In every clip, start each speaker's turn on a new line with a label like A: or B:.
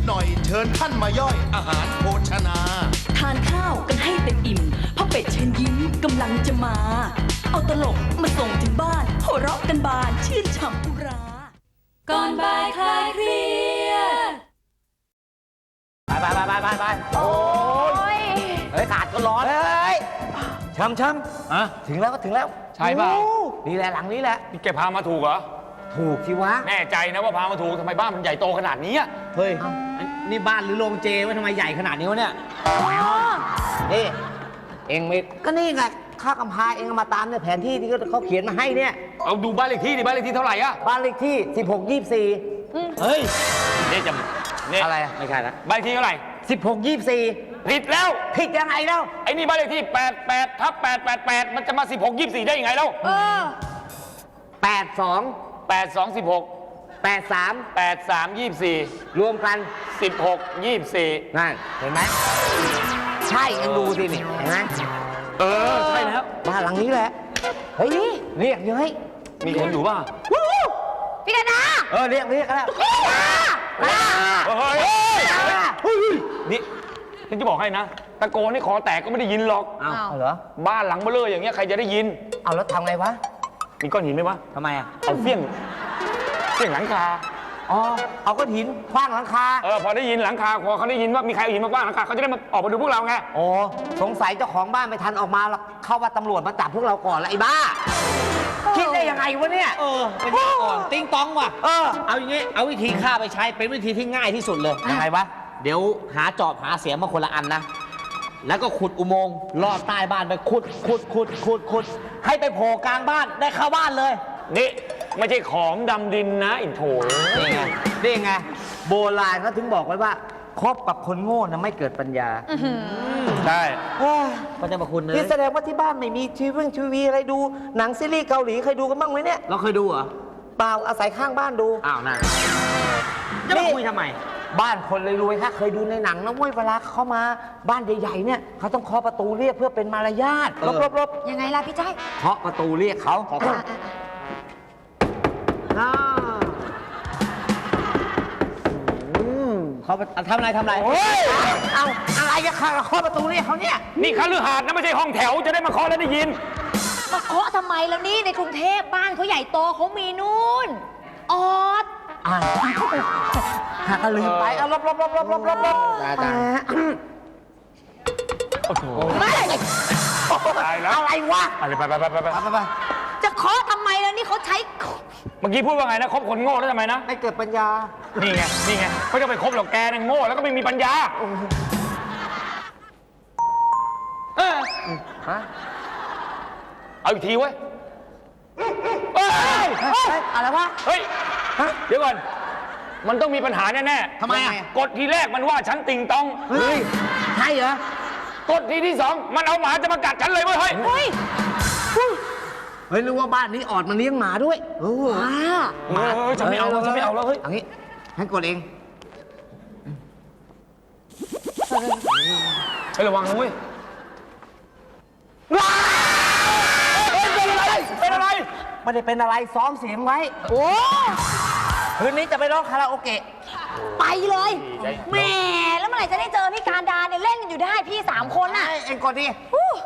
A: หน่อยเชิญท่านมาย่อยอาหารโภชนา
B: ทานข้าวกันให้เต็มอิ่มเพราะเป็ดเชิญยิ้มกำลังจะมา เอาตลกมาส่งถึงบ้านหัวเราะกันบานชื่นฉ่ำอุราก่อนบ่ายคลายเครียด
C: ไปโอ้ยเฮ้ยขาดก็ร้อนเฮ้ยช้ำ
D: อะ
C: ถึงแล้วก็ถึงแล้ว
D: ใช่เปล่า
C: นี่แหละหลังนี้แหละ
D: นี่แกพามาถูกเหรอ
C: ถูกที่วะ
D: แน่ใจนะว่าพามาถูกทำไมบ้านมันใหญ่โตขนาดนี้อะ
C: เฮ้ยนี่บ้านหรือโรงเจวะทำไมใหญ่ขนาดนี้วะเนี่ยนี่เองไม่ก็นี่ไงข้ากำพาเองมาตามเนี่ยแผนที่ที่เขาเขียนมาให้เนี่ย
D: เอาดูบ้านเลขที่ดิบ้านเลขที่เท่าไหร่อะ
C: บ้านเลขที่1624
D: เฮ้ยนี่จะนี่
C: อะไรไม่ใช่ละ
D: บ้านเลขที่เท่าไหร่
C: 1624
D: ผิดแล้ว
C: ผิดยังไงแล้ว
D: ไอ้นี่บ้านเลขที่88/888มันจะมา16/24ได้ยังไงแล้ว
C: 82
D: 82 16
C: 83
D: 84
C: รวมกัน
D: 16 24
C: นั่นเห็นไหมใช่เอ็งดูสินี่เห็นไหม
D: ใช่แล้ว
C: บ้านหลังนี้แหละเฮ้ยเรียกเยอะ
D: มีคนอยู่ป่ะ
E: พี่กนา
C: เรียกกันแล้ว
E: พี่กนา
D: เฮ้ยนี่ฉันจะบอกให้นะตะโกนให้คอแตกก็ไม่ได้ยินหรอก
C: อ้าวเหรอ
D: บ้านหลังเบลออย่างเงี้ยใครจะได้ยิน
C: เอาแล้วทำไงวะ
D: มีก้อนหินไหมวะ
C: ทำไมอ่ะ
D: เอาเฟี้ยงหลังคา
C: เอาก้อนหินคว้างหลังคา
D: พอได้ยินหลังคาพอเขาได้ยินว่ามีใครเอาหินมาคว้างหลังคาเขาจะได้มาออกมาดูพวกเราไง
C: สงสัยเจ้าของบ้านไม่ทันออกมาเข้าว่าตำรวจมาจับพวกเราก่อนแล้วไอ้บ้าคิดได้ยังไงวะเนี่ย
F: เป็นยังก่อนติ้งต้องว่ะเอาอย่างงี้เอาวิธีฆ่าไปใช้เป็นวิธีที่ง่ายที่สุดเลย
C: ยังไงวะ
F: เดี๋ยวหาจอบหาเสียมมาคนละอันนะแล้วก็ขุดอุโมงค์ลอดใต้บ้านไปขุดให้ไปโผล่กลางบ้านได้เข้าบ้านเลย
D: นี่ไม่ใช่ของดำดินนะอินโถ
C: นี่ไงโบราณเขาถึงบอกไว้ว่าคบกับคนโง่นะไม่เกิดปัญญา
D: ใช่
C: ก็จะมาคุณเลยนี่แสดงว่าที่บ้านไม่มีทีวีอะไรดูหนังซีรีส์เกาหลีเคยดูกันบ้างไหมเนี่ย
F: เราเคยดูเหรอ
C: เปล่าอาศัยข้างบ้านดู
F: อ้าวนั่นจะมาคุยทำไม
C: บ้านคนรวยๆค่ะเคยดูในหนังนะเว้ยเวลาเขามาบ้านใหญ่ๆเนี่ยเขาต้องเคาะประตูเรียกเพื่อเป็นมารยาทลบ
E: ยังไงล่ะพี่จ้อย
C: เคาะประตูเรียกเขาเขาทำอะไรเอาอะไรจะเคาะประตูเรียกเขาเนี่ย
D: นี่คฤหาสน์นะไม่ใช่ห้องแถวจะได้มาเคาะแล้วได้ยิน
E: มาเคาะทำไมแล้วนี่ในกรุงเทพบ้านเขาใหญ่โตเขามีนู่นออด
C: หากลืมไปลบ
D: โอ้โห
E: ไม่
D: ตายแล้ว
C: อะไรวะ
D: ไป
E: จะเคาะทำไมแล้วนี่เขาใช้
D: เมื่อกี้พูดว่าไงนะคบคนโง่แล้วทำไมนะ
C: ไม่เกิดปัญญา
D: นี่ไงเขาจะไปคบหรอกแกนั่งโง่แล้วก็ไม่มีปัญญาเอาอีกทีเว้ย
C: อะไรวะ
D: เฮ้ยเดี๋ยวก่อนมันต้องมีปัญหาแน่
C: ๆทำไมอ่ะ
D: กดทีแรกมันว่าฉันติงตอง
C: เฮ้ยใช่เหรอ
D: กดทีที่สองมันเอาหมาจะมากัดฉันเลยเว้ยเฮ้ย
C: รู้ว่าบ้านนี้ออดมันเลี้ยงหมาด้วย
D: หมาฉันไม่เอาแล้วเฮ้ย
C: อย่างนี้ให้กดเอง
D: ให้ระวังนะเว้ยเป็นอะไร
C: ไม่ได้เป็นอะไรซ้อมเสียงไว้คืนนี้จะไปร้องคาราโอเกะ
E: ไปเลยแหมแล้วเมื่อไหร่จะได้เจอพี่การดาเนี่ยเล่นกันอยู่ได้พี่3 คนน่ะ
C: เอ็งกดดิ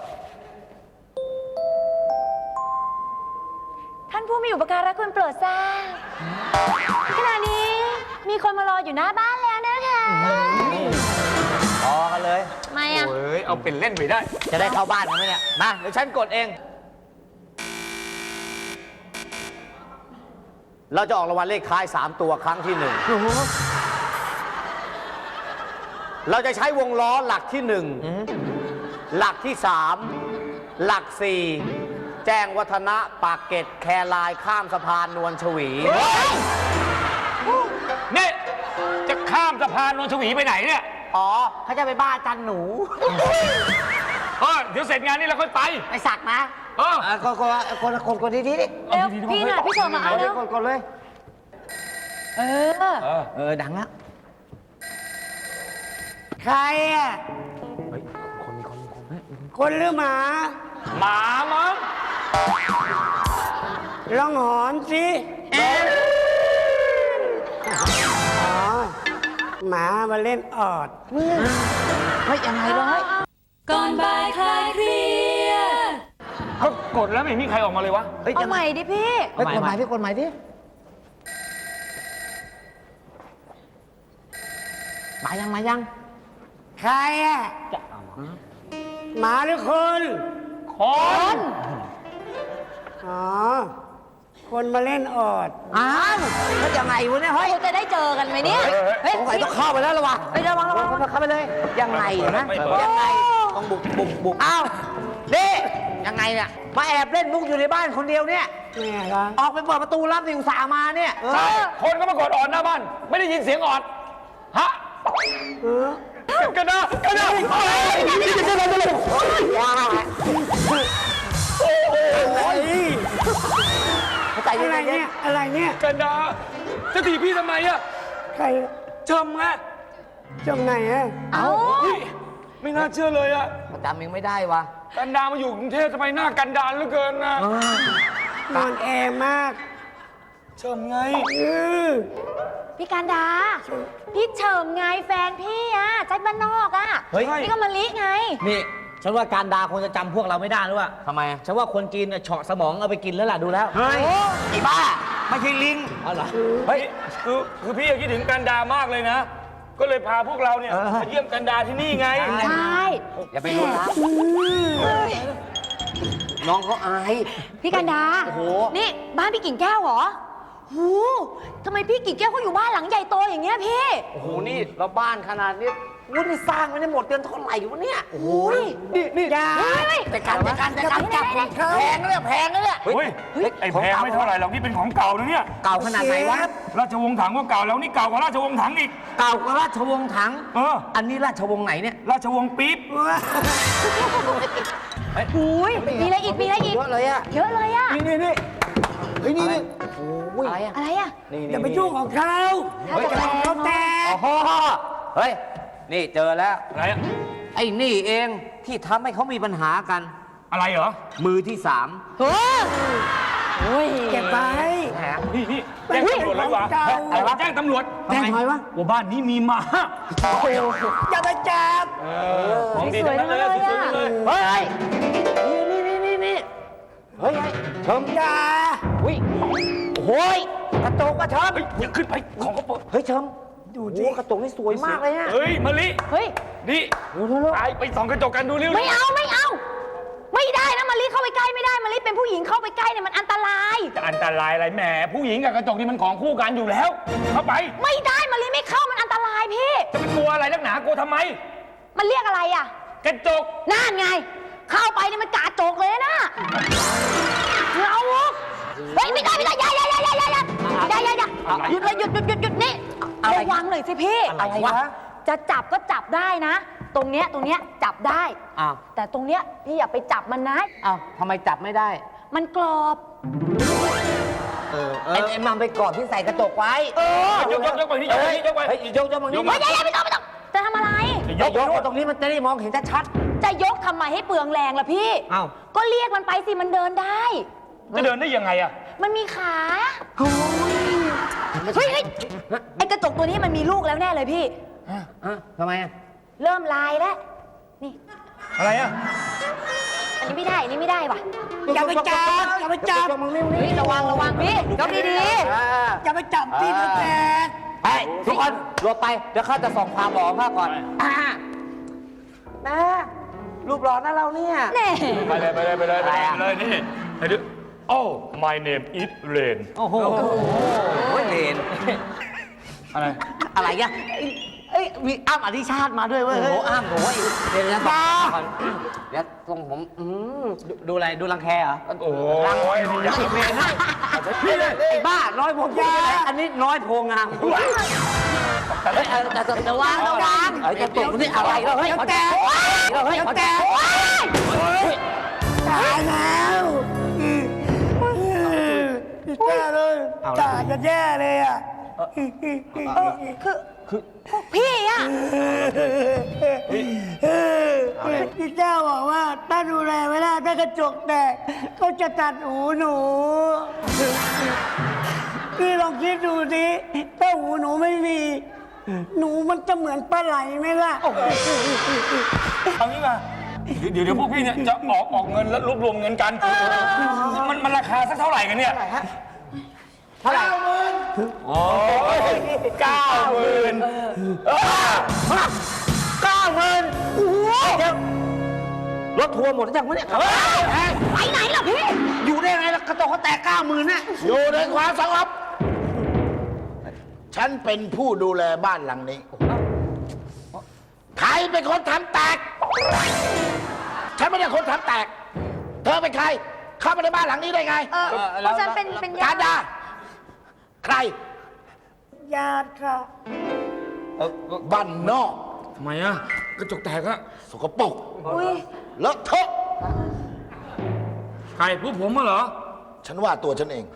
E: ท่านผู้มีอุปการะคุณโปรดทราบขณะนี้มีคนมารออยู่หน้าบ้านแล้วนะคะ
C: รอกันเลย
E: ไม่อ่ะ
D: เอาเป็นเล่นไปได้
C: จะได้เข้าบ้านกันไหมเนี่ยมาเดี๋ยวฉันกดเองเราจะออกรางวัลเลขท้าย3 ตัวครั้งที่ 1เราจะใช้วงล้อหลักที่1หลักที่3หลัก4แจ้งวัฒนะปากเกร็ดแครายข้ามสะพานนวลชวี
D: นี่จะข้ามสะพานนวลชวีไปไหนเนี่ย
C: เขาจะไปบ้านจันหนู
D: เดี๋ยวเสร็จงานนี้เราค่อยไป
C: สักนะคนดี
E: เร็วพี่น่ะพี่เฉยมาเอาแล้ว
C: กดเลยดังแล้วใครอ่ะคนหรือหมา
D: มั้ง
C: ลองหอนสิ
G: หมามาเล่นออด
F: เฮ้ยยังไงร้อย
B: ก่อนบ่ายคลายเครียด
D: เขากดแล้วไม่มีใครออกมาเลยวะ
F: เฮ้ย
E: เอาใหม่ดิพี่
F: เฮ้ยกฎหมายพี่กฎหมายดิมายัง
G: ใครอะหมาหรือคน
D: คน
G: อ๋อ คนมาเล่นออด
F: อ้าวแล้วยังไงวะเนี่ยเฮ้ย
E: จะได้เจอกันไหมเนี่ย
F: สงสัยต้องเข้าไปแล้วละวะเฮ้ยระวังเข้าไปเลยยังไงนะยังไงต้องบุกอ้าวนี่ยังไงเนี่ยมาแอบเล่นมุกอยู่ในบ้านคนเดียวเนี่ย
G: แม่ละ
F: ออกไปเปิดประตูรับสิอุตส่าห์มาเนี่ย
D: ใช่คนก็มากดออดหน้าบ้าน ไม่ได้ยินเสียงออด ฮะกันนะ
F: เข้าใจ
G: อะไร
F: ยังไง
G: เนี่ยอะไรเนี่ย
D: กันนะจะตีพี่ทำไมอะ
G: ใคร
D: ชมไง
G: จงไหนอะ
E: เอา
D: พี่ไม่น่าเชื่อเลยอะ
F: จำยังไม่ได้วะ
D: กันดามาอยู่กรุงเทพทำไมหน้ากันดารเหลือเกินนะ
G: นอนแอร์มาก
D: ชมไง
E: พี่การดา พี่เฉิมไงแฟนพี่อะแจ็คบ้านนอกอะ
F: เฮ้ย
E: นี่ก็มาลิไง
F: นี่ฉันว่าการดาคงจะจำพวกเราไม่ได้หรือวะทำไมฉันว่าคนจีนเนี่ยเฉาะสมองเอาไปกินแล้วล่ะดูแล้ว
D: เฮ้ย
F: ไอ้บ้าไม่ใช่ลิงอ๋อเหรอเฮ้ย
D: คือพี่คิดถึงกันดามากเลยนะ ก็เลยพาพวกเราเนี่ย
F: เออ
D: มาเยี่ยมกันดาที่นี่ไง
E: ใช่
F: อย่าไปรู้นะน้องเขาอาย
E: พี่การดา
F: โอ้โห
E: นี่บ้านพี่กิ่งแก้วเหรอหูทำไมพี่กิ่งแก้วเขาอยู่บ้านหลังใหญ่โตอย่างเงี้ยพี่
F: โอ้โหนี่เราบ้านขนาดนี้วุ้นนี่สร้างไม่ได้หมดเดือนเท่าไหร่วะเนี่ยโอ้โหนี่
G: อย่า
F: แต่การจับของเขาแพงเลยแพงเลย
D: เฮ้ย ไอ้แพงไม่เท่าไหร่หรอกนี่เป็นของเก่านะเนี่ย
F: เก่าขนาดไหนวะ
D: ราชวงศ์ถังก็เก่าแล้วนี่เก่ากว่าราชวงศ์ถังอีก
F: เก่ากว่าราชวงศ์ถัง
D: เออ
F: อันนี้ราชวงศ์ไหนเนี่ย
D: ราชวงศ์ปี๊บ
E: อุ้ยมีอะไรอีก มีอะไรอีก
F: เยอะเลยอะ
E: เยอะเลยอะ
F: นี่เฮ้ยนี่โอ้ยอะไรอะ
E: อะไรอะ
G: อย่าไปยุ่งของเขา
E: ถ้าจะแพง
G: เขาแตก
F: โอ้โหเฮ้ยนี่เจอแล้ว
D: อะไรอะ
F: ไอ้นี่เองที่ทำให้เขามีปัญหากัน
D: อะไรเหรอ
F: มือที่สาม
E: โอ้ย
G: เก็บไป
F: แหม
D: นี่แจ้งตำรวจเลยวะ
G: เก่า
D: อะไรวะแจ้งตำรวจ
F: แจ้งทำไมวะ
D: ว่าบ้านนี้มีหมา
G: อย่าไปจับ
D: ของดีทั้งนั้นเลยสวยๆเลย
F: เฮ้ยนี่เฮ้ยเชิม
G: อย่า
F: อุ้ยโอ้ยกระจกอะเชิม
D: เฮ้ยอย่าขึ้นไปของเขาเปิด
F: เฮ้ยเชิม
G: ดู
F: โอ้
G: ดิ
F: กระจกนี่สวยมากเลยเนี่ย
D: เฮ้ยมะลิ
E: เฮ้ย
D: นี่
F: เร็ว
D: ตายไปส่องกระจกกันดูเร็ว
E: ไม่เอา ไม่เอา ไม่ได้นะมารีเข้าไปใกล้ไม่ได้มารีเป็นผู้หญิงเข้าไปใกล้เนี่ยมันอันตราย
D: จะอันตรายอะไรแหมผู้หญิงกับกระจกนี่มันของคู่กันอยู่แล้ว เข้าไป
E: ไม่ได้มารีไม่เข้ามันอันตรายพี่
D: จะไปกลัวอะไรนักหนากลัวทำไม
E: มันเรียกอะไรอ่ะ
D: กระจก
E: นั่นไง เข้าไปเนี่ยมันกาจกเลยนะเอาเฮ้ยไม่ได้อย่าหยุดเลยหยุดนี่ระวังหน่อยสิพี่
F: อะไรวะ
E: จะจับก็จับได้นะ ตรงเนี้ยจับได้
F: อ้าว
E: แต่ตรงเนี้ยพี่อย่าไปจับมันนะ
F: อ้าวทำไมจับไม่ได้
E: มันกรอบ
F: ไอ้มัมไปกรอบที่ใส่กระจกไว้
D: ยกไปนี่ยกไปนี่ยกไป
F: เฮ้ยยกมังนี่
D: ยกมา
E: เฮ้ยอย่าไม่ต้องจะทำอะไร
F: ยกตรงนี้มันจะได้มองเห็นชัด
E: จะยกทำไมให้เปลืองแรงล่ะพี่
F: อ้าว
E: ก็เรียกมันไปสิมันเดินได้
D: จะเดินได้ยังไงอะ
E: มันมีขาเฮ้ยไอกระจกตัวนี้มันมีลูกแล้วแน่เลยพี่
F: ทำไมอะ
E: เริ่มลายแล้ว นี่
D: อะไรอะ
E: อันนี้ไม่ได้ อันนี้ไม่ได้ว่ะ
G: อย่าไปจับอย่าไปจับ
F: ยกมังนี่
E: เฮ้ยระวังพี่ยกดี
G: อย่าไปจับที่มันแตก
F: เฮ้ยทุกคนหลบไป เดี๋ยวข้าจะส่องความหล่อข้าก่อนนะรูปหล่อนะเราเนี่ย
E: ๆแน่
D: ไปเลยนี่ไปดูโอ้ my name is Rain
F: โอ้โหเลน
D: อะไร
F: อะไรอ่ะเอ้ยมีอ้ำอธิชาติมาด้วยเว้ยโอ้โหอ้ำโอ้ยเดี๋ยวนะก่อนเดี๋ยวทรงผมดูอะไรดูรังแคเหรอ
D: โอ้ยนี่อยากจะเป็นให้
F: ไอ้บ้าน้อยพงยาอันนี้น้อยโพงามเฮ้ยแต่ระวังจะตกนี่อะไรแล้วเฮ้ยแตกเฮ้ยแตก
G: ตายแล้วแย่เลยตายจะแย่เลยอ่ะ
E: คือพวกพี่อะ
G: พี่เจ้าบอกว่าถ้าดูแลไม่ได้ถ้ากระจกแตกเขาจะตัดหูหนูพี่ลองคิดดูสิถ้าหูหนูไม่มีหนูมันจะเหมือนปลาไหลไหมล่ะ
D: เอางี้มาเดี๋ยวพวกพี่เนี่ยจะออกเงินแล้วรวบรวมเงินกันมันราคาสักเท่าไหร่กันเนี่ย
C: เท่าไหร่
D: โอ้ย90,000
F: 90,000เดี๋ยวรถทัวร์หมดแล้วจังวะเนี่ย
E: ไปไหนล่ะพี่
F: อยู่ได้ไงล่ะกระจกเขาแตก90,000น่ะ
A: อยู่ในความสงบฉันเป็นผู้ดูแลบ้านหลังนี้ ใครเป็นคนทำแตก ฉันไม่ได้คนทำแตก เธอเป็นใคร เข้ามาในบ้านหลังนี้ได้ไง
E: เพราะฉันเป็นญา
A: การ
E: ติ
A: ดาใคร
G: ญาติค่ะ
A: บ้านนอก
D: ทำไมอะกระจกแตกอะ
A: สกปรก
E: อุ้ย
A: เลอะเทอะ
D: ใครพวกผมเหรอ
A: ฉันว่าตัวฉันเอง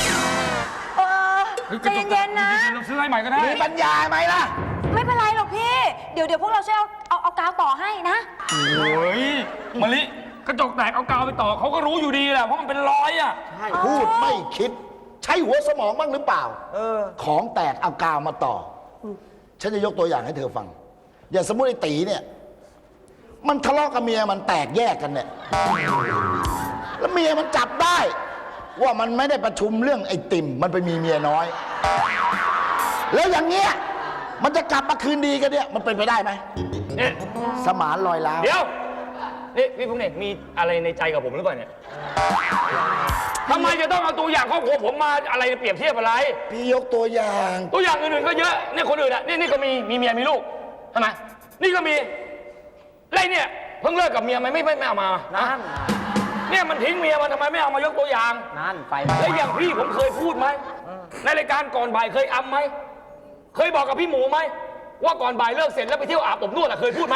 E: ใจเย็นๆนะ
D: เราซื้อให้ใหม่ก็ได้
A: มีปัญญาไหมล่ะ
E: ไม่เป็นไรหรอกพี่ เดี๋ยวพวกเราช่วยเอากาวต่อให้นะ
D: โอ้ยมะลิกระจกแตกเอากาวไปต่อเขาก็รู้อยู่ดีแหละเพราะมันเป็นรอยอะ
A: พูดไม่คิด ใช้หัวสมองบ้างหรือเปล่า ของแตกเอากาวมาต่ออฉันจะยกตัวอย่างให้เธอฟัง อย่างสมมติไอ้ตีเนี่ย มันทะเลาะกับเมียมันแตกแยกกันเนี่ย แล้วเมียมันจับได้ ว่ามันไม่ได้ประชุมเรื่องไอ้ติ่มมันไปมีเมียน้อย แล้วอย่างเงี้ยมันจะกลับมาคืนดีกันเนี่ยมันเป็นไปได้ไหม
D: เนี่ย
A: สมานลอยล้าว
D: เดี๋ยว นี่พี่พงษ์เนี่ยมีอะไรในใจกับผมหรือเปล่าเนี่ยทำไมจะต้องเอาตัวอย่างครอบครัวผมมาอะไรเปรียบเทียบอะไร
A: พี่ยกตัวอย่าง
D: ตัวอย่างอื่นๆก็เยอะเนี่ยคนอื่นอ่ะนี่ก็มีเมียมีลูกทำไมนี่ก็มีไรเนี่ยเพิ่งเลิกกับเมียไม่เอามานะเนี่ยมันทิ้งเมียมันทำไมไม่เอามายกตัวอย่าง
F: นั่นไป
D: แล้วอย่างพี่ผมเคยพูดไหมในรายการก่อนบ่ายเคยอำไหมเคยบอกกับพี่หมูไหมว่าก่อนบ่ายเลิกเสร็จแล้วไปเที่ยวอาบอบนวดอะเคยพูดไหม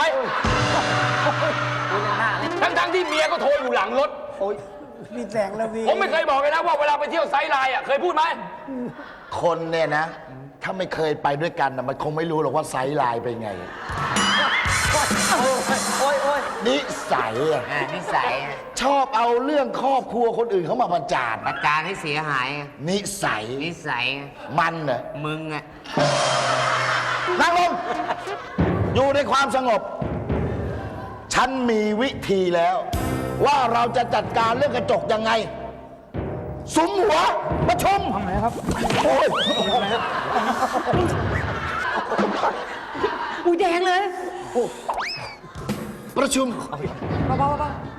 D: ทั้งที่เมียก็โทรอยู่หลังรถ
G: พี่แสงระวี
D: ผมไม่เคยบอกเลยนะว่าเวลาไปเที่ยวไซด์ไลน์อะเคยพูดไหม
A: คนเนี่ยนะ ถ้าไม่เคยไปด้วยกันนะมันคงไม่รู้หรอกว่าไซส์ไลน์เป็นไง นิสัยอะ
F: นิสัย
A: ชอบเอาเรื่องครอบครัวคนอื่นเขามาประจาน
F: ประจานให้เสียหาย
A: นิสัย
F: นิสัย
A: มันเน่ะ
F: มึงอะ
A: นั่งลง อยู่ในความสงบ ฉันมีวิธีแล้ว ว่าเราจะจัดการเรื่องกระจกยังไง สุมหัว ประชุมทำไมครับโอ้ย
E: อุ้ยแดงเลย
A: ประชุม
E: เบาๆ